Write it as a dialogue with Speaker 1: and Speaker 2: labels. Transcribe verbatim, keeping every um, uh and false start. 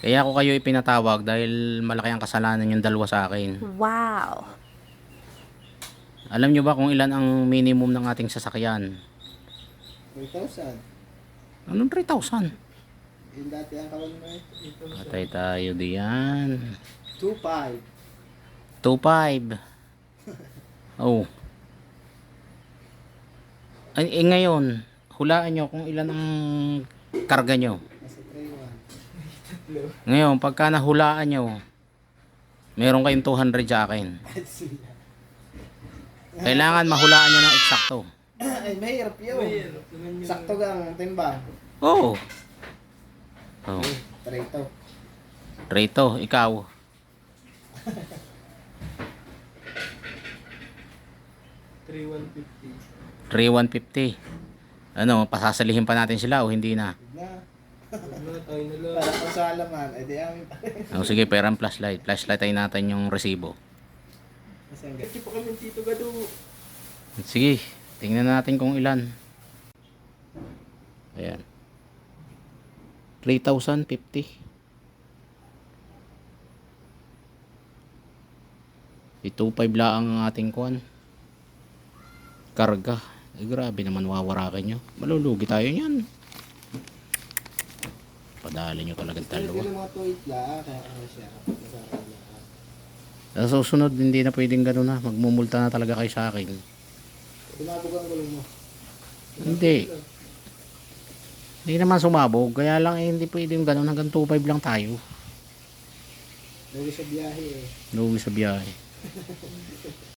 Speaker 1: Kaya ako kayo ipinatawag dahil malaki ang kasalanan yung dalawa sa akin.
Speaker 2: Wow.
Speaker 1: Alam nyo ba kung ilan ang minimum ng ating sasakyan?
Speaker 3: three thousand.
Speaker 1: Anong three thousand?
Speaker 3: Yung dati ang kawan mo eh.
Speaker 1: Patay tayo diyan.
Speaker 3: two five.
Speaker 1: two five. Oh. Ay, eh, ngayon, hulaan nyo kung ilan ang karga nyo.
Speaker 3: Nasa three one.
Speaker 1: Ngayon, pagka nahulaan nyo, meron kayong two hundred sa akin. Kailangan mahulaan nyo ng eksakto.
Speaker 3: Ay, mahirap yun. Sakto gang timba.
Speaker 1: Oo. Oh.
Speaker 3: Trito.
Speaker 1: Rito, ikaw.
Speaker 3: three one fifty.
Speaker 1: three one fifty. Ano, pasasalihin pa natin sila o hindi na?
Speaker 3: Na. Para kung sa alaman, eh di amin pa rin.
Speaker 1: Oh, sige, perang flashlight. Flashlight ay natin yung resibo.
Speaker 3: Kasi ang gabi pa kami dito gado.
Speaker 1: Sige, tingnan natin kung ilan. Ayan. three thousand fifty. two five lang ang ating kuan. Karga. Eh, grabe naman wawarakin nyo. Malulugi tayo niyan. Padali nyo talagang
Speaker 3: Talaga
Speaker 1: dalawa.
Speaker 3: ng mga tuwit la, kaya ano siya. Masarap na.
Speaker 1: Sa susunod, hindi na pwedeng gano'n na. Magmumulta na talaga kayo sa akin.
Speaker 3: Tumabog ang gulong mo.
Speaker 1: Hindi. Hindi naman sumabog. Kaya lang eh, hindi pwedeng gano'n. Hanggang two five lang tayo.
Speaker 3: Lugi sa biyahe eh.
Speaker 1: Lugi sa biyahe.